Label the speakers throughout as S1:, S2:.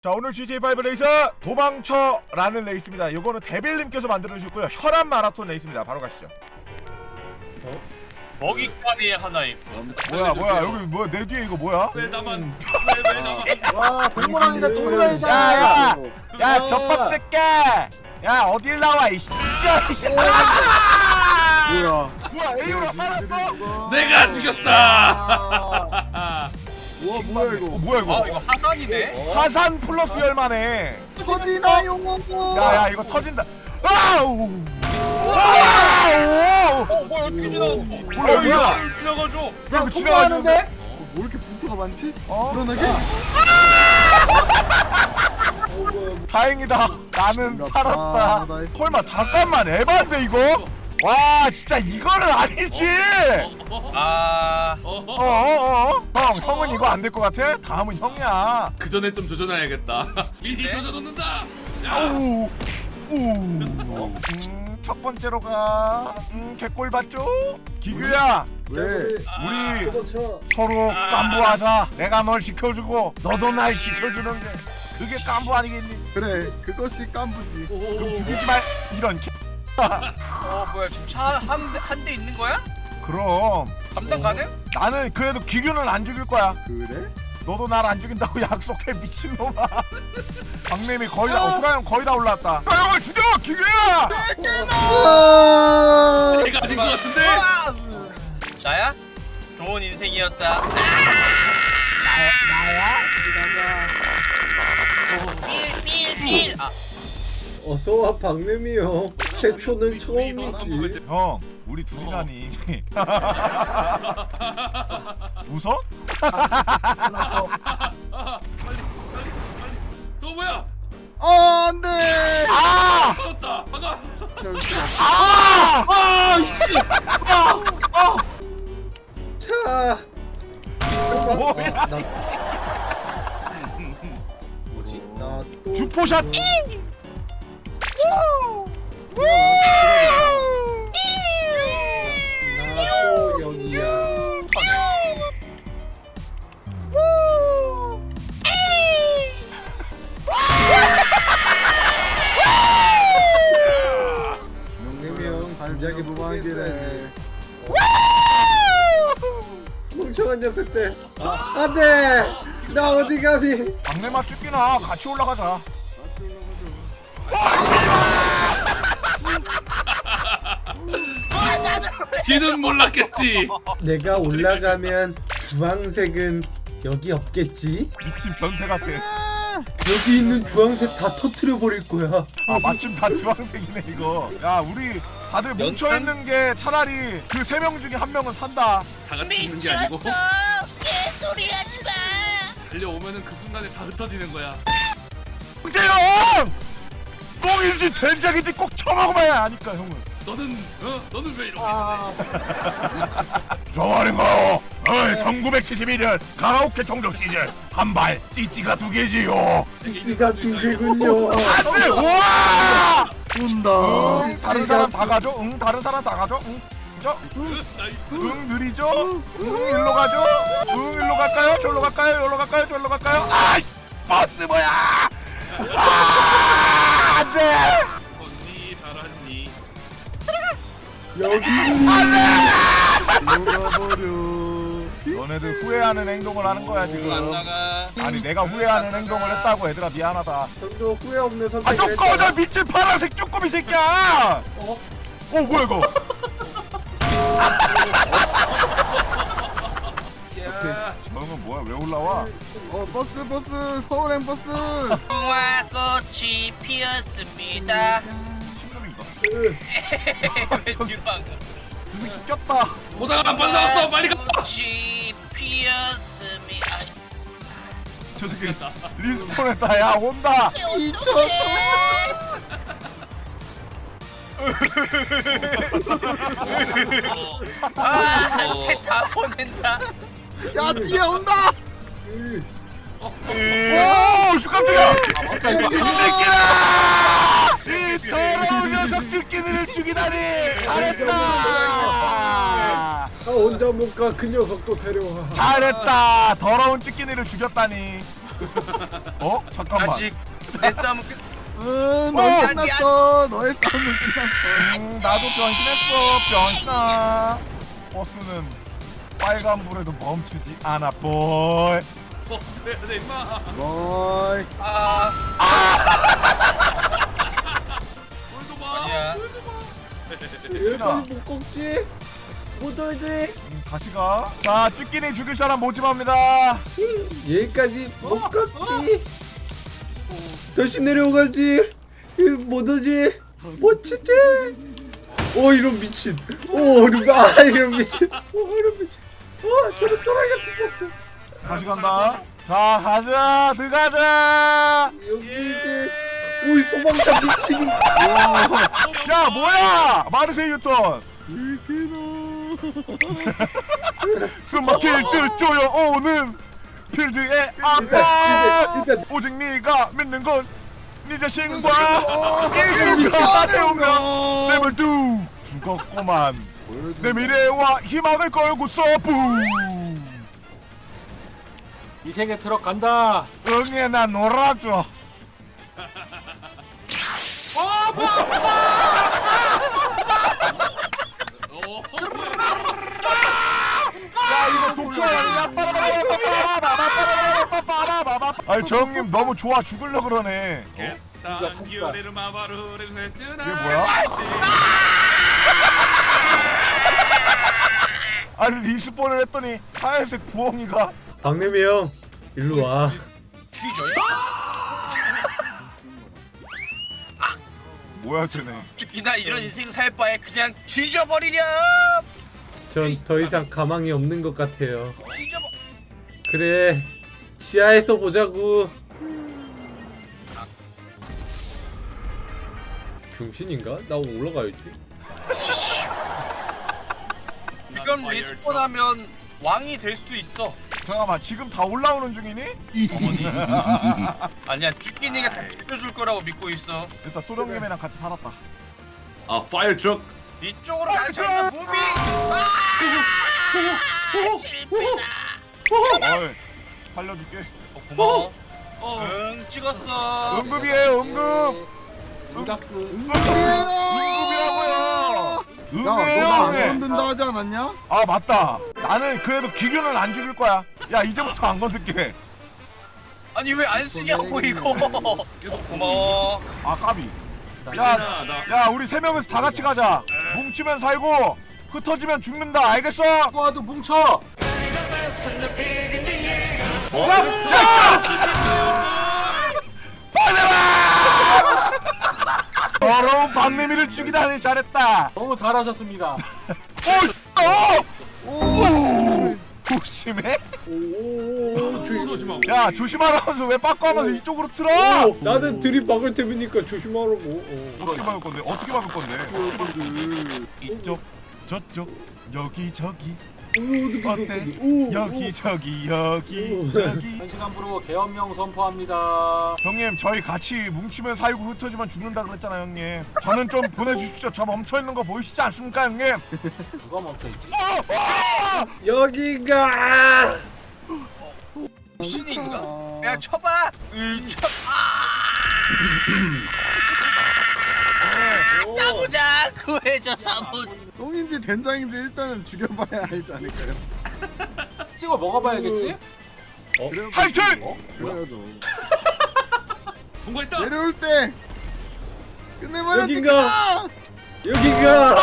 S1: 자, 오늘 GTA5 레이서 도망쳐라는 레이스입니다. 이거는 데빌님께서 만들어주셨고요. 혈압 마라톤 레이스입니다. 바로 가시죠.
S2: 먹잇감이 하나 있고.
S1: 뭐야 여기 뭐야 내 뒤에 이거 뭐야?
S2: 왜 나만 왜 나만
S3: 와 동물원이다 동물원이다.
S1: 야 젖밥 새끼야! 야 어딜 나와 이 진짜 이 뭐야 에이오라 살았어?
S4: 내가 죽였다.
S3: 와 뭐야 이거?
S1: 뭐야 이거?
S2: 아 이거 하산이네?
S1: 화산 플러스 열만해.
S3: 터지나 용어.
S1: 야야 이거 터진다. 아우!
S2: 뭐야 어떻게 지나갔어?
S1: 뭐야,
S2: 여기
S1: 뭐야?
S2: 나를 지나가줘.
S1: 야 이거
S3: 통과하는데?
S1: 지나가는데?
S3: 뭐 이렇게 부스터가 많지?
S1: 어?
S3: 불안하게?
S1: 다행이다. 나는 살았다.
S3: 나이스.
S1: 설마 잠깐만 에반데 이거? 와 진짜 이거는 아니지. 형 형은 이거 안 될 것 같아? 다음은 형이야.
S4: 그 전에 좀 조져놔야겠다. 미리 조져놓는다.
S1: 아우 첫 번째로 가. 개꼴 봤죠? 기규야
S3: 왜?
S1: 우리 서로 깐부하자. 내가 널 지켜주고 너도 날 지켜주는 게 그게 깐부 아니겠니?
S3: 그래 그것이 깐부지.
S1: 그럼 죽이지 말 이런
S2: 뭐야 지금 차 한 대 있는 거야?
S1: 그럼
S2: 감당 가능?
S1: 나는 그래도 기규는 안 죽일 거야.
S3: 그래?
S1: 너도 날 안 죽인다고 약속해 미친놈아. 박님이 거의 다 후라형 거의 다 올라왔다. 후라형을 죽여 기규야.
S4: 내가 아닌 것 같은데.
S2: 나야? 좋은 인생이었다.
S3: 나야? 지나가.
S2: 빌.
S5: 어서와 박내미 형. 태초는 처음이지.
S1: 형 우리 둘이라니. 웃어?
S4: 저거 뭐야?
S3: 안돼.
S1: 아!
S4: 막았다. 막아.
S1: 아!
S5: 차.
S1: 뭐야?
S5: 뭐지? 나또
S1: 주포샷.
S5: 나또 여기야.
S3: 명님이 형 발작이 무방하기래.
S5: 멍청한 녀석들. 안돼. 나 어디 가니?
S1: 박내마 죽기나 같이 올라가자.
S4: 뒤는 몰랐겠지.
S5: 내가 올라가면 주황색은 여기 없겠지?
S1: 미친 변태 같아.
S5: 여기 있는 주황색 다 터트려 버릴 거야.
S1: 아 마침 다 주황색이네 이거. 야 우리 다들 뭉쳐 있는 게 차라리 그 세 명 중에 한 명은 산다.
S4: 다 같이 죽는 게 아니고
S6: 개소리하지 마.
S4: 달려오면은 그 순간에 다 흩어지는 거야.
S1: 형제형! 꽁인지 된장인지 꼭 처먹어봐야 아니까 형은.
S4: 너는 왜 이렇게 했는데?
S1: 저 말인가요? 1971년 가라오케 총력 시절 한발 찌찌가 2개지요.
S5: 이가 두 개군요.
S1: 안돼! 우와!
S3: 온다.
S1: 다른 사람 다 가죠? 다른 사람 다 가죠? 그죠? 느리죠? 일로 가죠? 일로 갈까요? 저로 갈까요? 여기로 갈까요? 저로 갈까요? 아이씨! 버스 뭐야! 안돼!
S4: 언니 잘하니.
S5: 여기
S3: 녹아버려.
S1: 너네들 후회하는 행동을 하는 거야
S2: 안
S1: 지금.
S2: 나가.
S1: 아니 내가 후회하는 행동을 했다고 얘들아 미안하다.
S5: 형도 후회 없는
S1: 아
S5: 선택을
S1: 좀 꺼져
S5: 했잖아.
S1: 미친 파란색 쪼꼬미 새끼야! 뭐야 이거? 저형은 뭐야 왜 올라와?
S3: 버스 서울행 버스.
S6: 무궁화 꽃이 피었습니다.
S1: 친놈인가?
S2: 왜 뒤로 안 가?
S1: 이 새끼 꼈다.
S4: 보다가 빨리 나왔어. 빨리 가.
S6: 꽃이 피었습니다.
S1: 저 새끼 리스폰했다. 야 온다.
S2: 다 보낸다.
S3: 야 뒤에 온다.
S1: 오 깜짝이야. 이 새끼라! 이 더러운 녀석 ጭ끼니를 죽이다니 잘했다.
S5: 나 혼자 못 가. 그 녀석도 데려와.
S1: 잘했다. 더러운 ጭ끼니를 죽였다니. 어? 잠깐만.
S2: 아직 내 싸움은 끝.
S3: 너희 끝났어. 너의 싸움은 끝났어.
S1: 나도 변신했어. 변신아. 버스는 빨간불에도 멈추지 않아 보이.
S4: 어서야 돼 임마.
S3: 너이.
S2: 아
S4: 보여줘 봐.
S2: 아니야.
S5: 왜 빨리 못 꺾지? 못 돌지?
S1: 다시 가. 자, 쭈끼니 죽일 사람 모집합니다.
S5: 여기까지 못 꺾지? 다시 내려오가지? 못 오지? 못 치지? 오 이런 미친. 오 이런 미친. 오 이런 미친. 저런 또라이 같은 버스.
S1: 다시 간다. 자, 가자. 들어가자.
S5: 여기 이제 오이 소방차 미친.
S1: 야, 뭐야? 마르세이 유턴. 숨막힐 듯 쪼여오는 필드의 아빠.
S5: 일단
S1: 오직 네가 믿는 건 네 자신과 일수가 되오면 내물 두 죽었구만. 내 미래와 희망을 걸고서 붐.
S7: 이 세계 트럭 간다.
S1: 응애 나 놀아줘. 야 이거 독하야. 아니 저 형님 너무 좋아 죽을려 그러네.
S7: 누가 찾을까?
S1: 이게 뭐야?
S4: 뭐야?
S1: 아니 리스폰을 했더니 하얀색 부엉이가.
S5: 박내미 형 일로 와.
S2: 퀴저요?
S1: 뭐야 쟤네.
S2: 죽기나 이런 인생 살 바에 그냥 뒤져버리렴.
S5: 전 더 이상 가망이 없는 것 같아요.
S2: 뒤져버.
S5: 그래 지하에서 보자고. 병신인가? 나 올라가야지.
S2: 이건 리스폰하면 왕이 될 수 있어.
S1: 잠깐만 지금 다 올라오는 중이니?
S2: 아니야 쭈끼니가 다 죽여줄 거라고 믿고 있어.
S1: 일단 소령님이랑 같이 살았다.
S4: 아 파이어 트럭.
S2: 이쪽으로 가자 무빙.
S6: 실패다.
S1: 어이 살려줄게.
S2: 고마워. 응 찍었어.
S1: 응급이에요 응급.
S7: 응답그.
S1: 응급이라고요.
S3: 야, 너
S1: 응급이에요
S3: 나 안
S1: 응급.
S3: 건든다 하지 않았냐?
S1: 아 맞다. 나는 그래도 기규는 안 죽일 거야. 야 이제부터 안 건들게.
S2: 아니 왜 안 쓰냐고 이거. 고마워.
S1: 아 까비.
S4: 나.
S1: 야 우리 세 명에서 다 같이 가자. 뭉치면 살고 흩어지면 죽는다. 알겠어?
S7: 누구와도 뭉쳐.
S1: 더러운 박내미를 죽이다니 잘했다.
S7: 너무 잘하셨습니다.
S1: 오 조심해.
S5: 조심.
S1: 야 조심하라면서 왜 빠꾸하면서 이쪽으로 틀어?
S5: 나는 들이 박을 테니까 조심하라고.
S1: 어떻게 막을 건데? 어떻게 막을 건데? 이쪽 저쪽 여기 저기 어때? 여기 저기 여기 저기.
S7: 현 시간부로 계엄령 선포합니다.
S1: 형님 저희 같이 뭉치면 살고 흩어지면 죽는다 그랬잖아요 형님. 저는 좀 보내주십시오. 저 멈춰있는 거 보이시지 않습니까 형님?
S7: 누가 멈춰있지?
S5: 여기가.
S2: 신인가? 야 쳐봐. 쳐.
S6: 사무장 구해줘 사무.
S3: 똥인지 된장인지 일단은 죽여봐야 알지 않을까요?
S7: 찍어 먹어봐야겠지?
S1: 탈출!
S3: 그래야죠.
S4: 통과했다.
S3: 내려올 때 끝내버려
S5: 여긴가?
S3: 찌끼나!
S5: 여기가.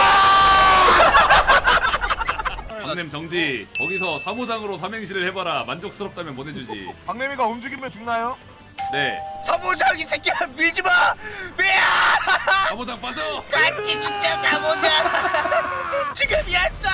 S4: 박냄 정지. 거기서 사무장으로 삼행시를 해봐라. 만족스럽다면 보내주지.
S1: 박내미가 움직이면 죽나요?
S4: 네.
S2: 사무장 이 새끼야 밀지 마. 야!
S4: 사무장 빠져.
S6: 같이 죽자 사무장.
S2: 지금이었어.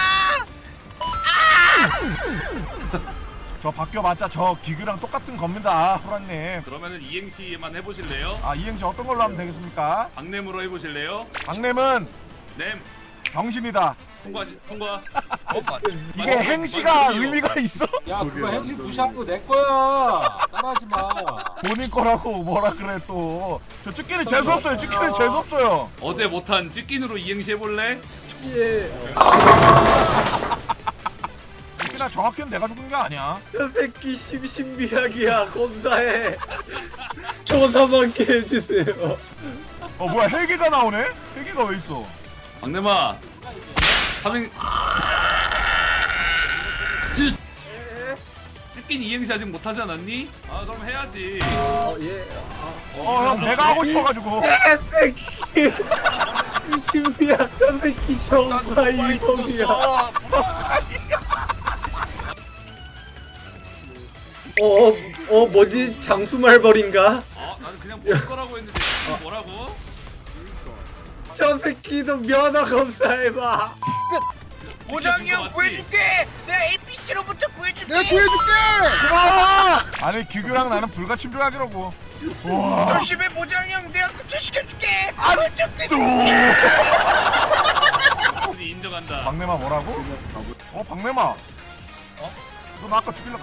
S1: 저 바뀌어봤자 저 기규랑 똑같은 겁니다 호랑님.
S4: 그러면은 이행시만 해보실래요?
S1: 아 이행시 어떤 걸로 하면 되겠습니까?
S4: 박냄으로 해보실래요?
S1: 박냄은
S4: 냄.
S1: 병신이다.
S4: 통과.
S1: 이게 행시가 의미가 있어?
S7: 야 그거 행식 무시한 거 내 거야. 따라하지 마.
S1: 본인 거라고 뭐라 그래 또. 저 찌끼는 재수없어요. 찌끼는 재수없어요.
S4: 어제 못한 찌낀으로 이행시 해볼래?
S5: 예.
S1: 찌끼나 정확히는 내가 죽은 게 아니야.
S5: 저 새끼 심신미약이야. 검사해. 조사만 게 해주세요.
S1: 뭐야 헬기가 나오네? 헬기가 왜 있어?
S4: 박내마 삼행 찌낀 이행시 아직 못하지 않았니? 아 그럼 해야지.
S5: 예.
S1: 형 내가 하고 싶어가지고.
S5: 새끼. 심신미약. 저 새끼 정과 이동이야. 뭐지? 장수말벌인가?
S4: 나는 그냥 볼 거라고 했는데 지금 뭐라고?
S5: 저 새끼도 면허 검사해봐.
S6: 모장이 형 구해줄게. 내가 APC로부터 구해줄게.
S3: 내가 구해줄게.
S1: 고마워. 아니 규규랑 나는 불가침조하기라고. 와.
S6: 조심해 모장이 형. 내가 구출시켜줄게.
S4: 우리 인정한다.
S1: 박내마 뭐라고? 박내마. 너 나 아까 죽이려고.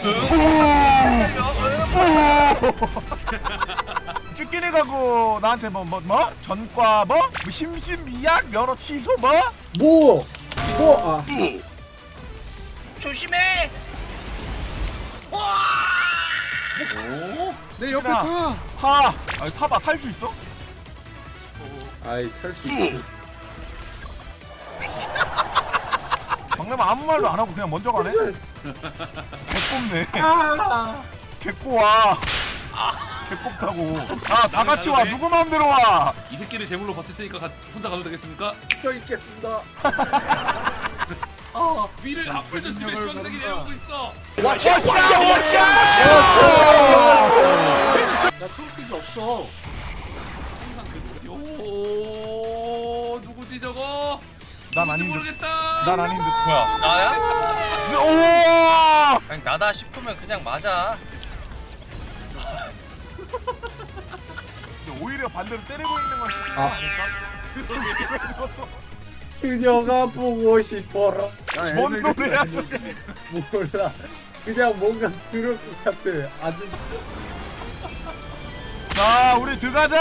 S1: 쭈끼니가 그 나한테 뭐 전과 심신미약 면허 취소
S6: 조심해.
S3: 내 옆에
S1: 야.
S3: 타.
S1: 아니 타봐 탈 수 있어?
S5: 아이 탈 수 있고.
S1: 박내마 아무 말도 안 하고 그냥 먼저 가네. 개꼽네. 개꼬와. 개꼽다고. 다 같이 와. 누구 마음대로 와.
S4: 이 새끼를 제물로 버틸 테니까 혼자 가도 되겠습니까?
S5: 저 있겠습니다.
S4: 위를 앞을 조심해. 주황색이 내려오고 있어.
S1: 워샤.
S7: 나 초록색이 없어.
S4: 항상 요 누구지 저거?
S1: 난
S4: 누군지
S1: 아닌 듯.
S4: 모르겠다.
S1: 난 아닌 듯.
S2: 뭐야 나야?
S1: 오.
S2: 그냥 나다 싶으면 그냥 맞아.
S1: 근데 오히려 반대로 때리고 있는 건
S5: 그녀가 보고 싶어라.
S1: 뭔 노래야 저게?
S5: 몰라. 그냥 뭔가 그럴 것 같아. 아주.
S1: 자, 우리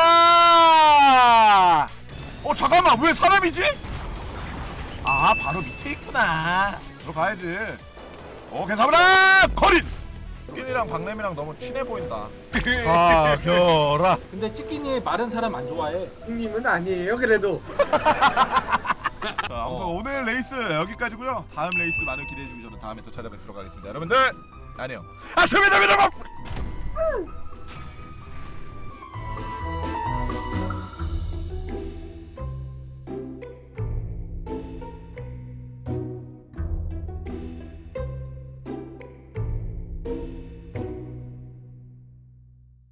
S1: 들어가자. 잠깐만, 왜 사람이지? 바로 밑에 있구나. 들어가야지. 괜찮아. 거린. 찐이랑 박냄이랑 너무 친해 보인다. 사겨라.
S7: 근데 찌끼니 마른 사람 안 좋아해.
S5: 형님은 아니에요. 그래도.
S1: 자, 아무튼 오늘 레이스 여기까지고요. 다음 레이스 많은 기대해 주시기 전에 다음에 또 찾아뵙도록 하겠습니다. 여러분들 안녕. 아침이다.